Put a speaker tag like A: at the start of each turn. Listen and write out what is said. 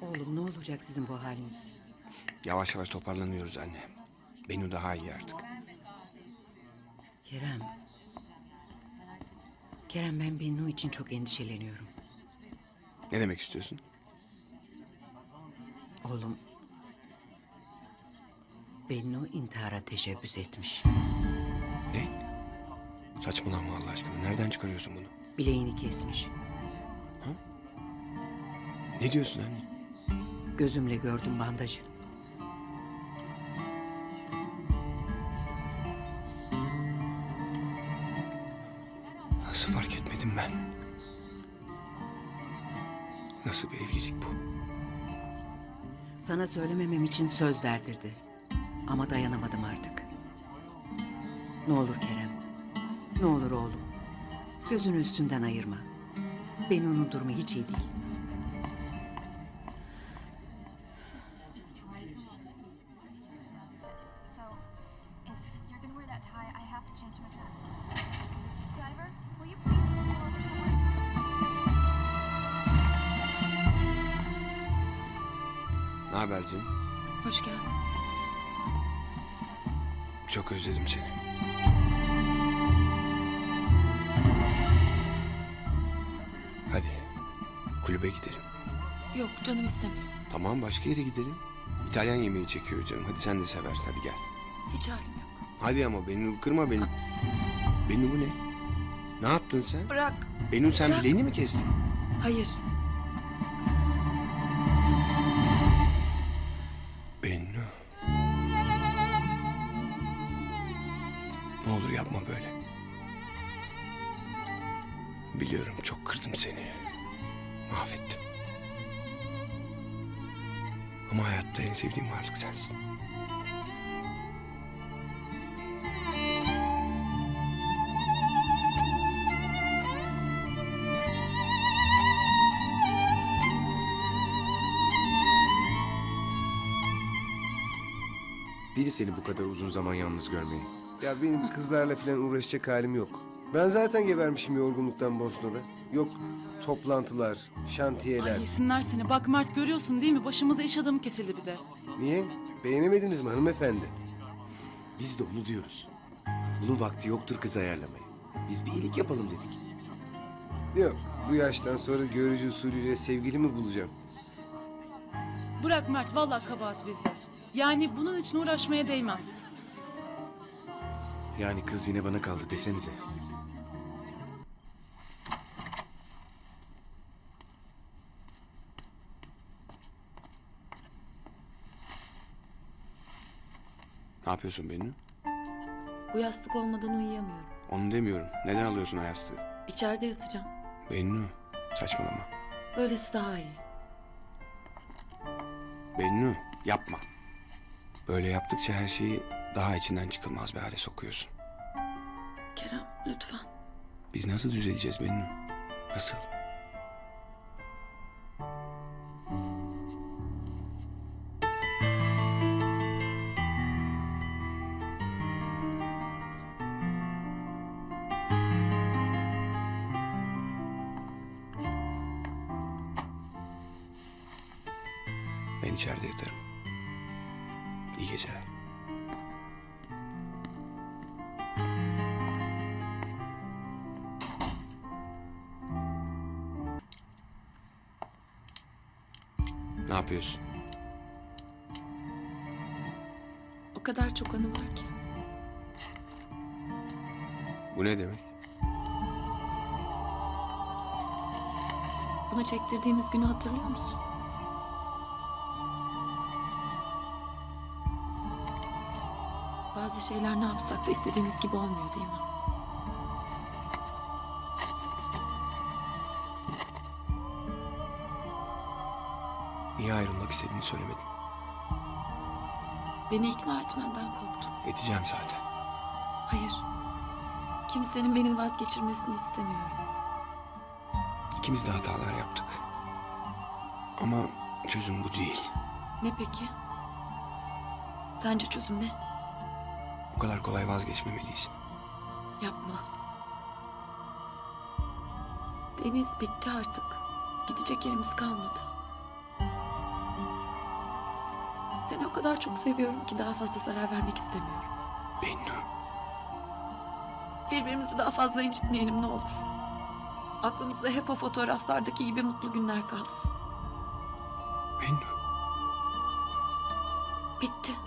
A: Oğlum ne olacak sizin bu haliniz?
B: Yavaş yavaş toparlanıyoruz anne. Benu daha iyi artık.
A: Kerem. Kerem ben Bennu için çok endişeleniyorum.
B: Ne demek istiyorsun?
A: Oğlum. Bennu intihara teşebbüs etmiş.
B: Ne? Saçmalama Allah aşkına. Nereden çıkarıyorsun bunu?
A: Bileğini kesmiş.
B: Ne diyorsun anne?
A: Gözümle gördüm bandajı.
B: Nasıl fark etmedim ben? Nasıl bir evlilik bu?
A: Sana söylememem için söz verdirdi. Ama dayanamadım artık. Ne olur Kerem. Ne olur oğlum. Gözünü üstünden ayırma. Bennu'nun durumu hiç iyi değil.
C: So, if you're gonna wear that tie, I have to change my dress. Driver, will you please pull over somewhere?
B: Ne haber canım?
D: Hoş geldin.
B: Çok özledim seni. Hadi. Kulübe gidelim.
D: Yok canım istemiyor.
B: Tamam başka yere gidelim. İtalyan yemeği çekiyor canım. Hadi sen de seversin hadi gel.
D: Hiç halim yok.
B: Hadi ama Benu kırma beni. Benu bu ne? Ne yaptın sen?
D: Bırak.
B: Benu sen
D: Bırak.
B: bileğini mi kestin?
D: Hayır.
B: Bennu. Ne olur yapma böyle. Biliyorum çok kırdım seni. Mahvettim. Ama hayatta en sevdiğim varlık sensin.
E: Deli seni bu kadar uzun zaman yalnız görmeyi.
F: Ya benim kızlarla falan uğraşacak halim yok. Ben zaten gebermişim yorgunluktan Bosna'da. Yok toplantılar, şantiyeler.
G: Ay yesinler seni. Bak Mert görüyorsun değil mi? Başımıza iş adamı kesildi bir de.
F: Niye? Beğenemediniz mi hanımefendi?
E: Biz de onu diyoruz. Bunun vakti yoktur kız ayarlamaya. Biz bir iyilik yapalım dedik.
F: Yok, bu yaştan sonra görücü usulüyle sevgili mi bulacağım?
G: Bırak Mert vallahi kabahat bizde. Yani bunun için uğraşmaya değmez.
E: Yani kız yine bana kaldı desenize.
B: Ne yapıyorsun Bennu?
D: Bu yastık olmadan uyuyamıyorum.
B: Onu demiyorum. Neden alıyorsun o yastığı?
D: İçeride yatacağım.
B: Bennu. Saçmalama.
D: Böylesi daha iyi.
B: Bennu yapma. Böyle yaptıkça her şeyi daha içinden çıkılmaz bir hale sokuyorsun.
D: Kerem lütfen.
B: Biz nasıl düzeleceğiz Bennu? Nasıl? Ben içeride yatarım. İyi geceler. Ne yapıyorsun?
D: O kadar çok anı var ki.
B: Bu ne demek?
D: Bunu çektirdiğimiz günü hatırlıyor musun? Bazı şeyler ne yapsak da istediğimiz gibi olmuyor değil mi?
B: Niye ayrılmak istediğini söylemedin.
D: Beni ikna etmenden korktum.
B: Edeceğim zaten.
D: Hayır. Kimsenin benim vazgeçirmesini istemiyorum.
B: İkimiz de hatalar yaptık. Ama çözüm bu değil.
D: Ne peki? Sence çözüm ne?
B: Bu kadar kolay vazgeçmemeliyiz.
D: Yapma. Deniz bitti artık. Gidecek yerimiz kalmadı. Seni o kadar çok seviyorum ki daha fazla zarar vermek istemiyorum.
B: Bennu.
D: Birbirimizi daha fazla incitmeyelim ne olur. Aklımızda hep o fotoğraflardaki gibi mutlu günler kalsın.
B: Bennu.
D: Bitti.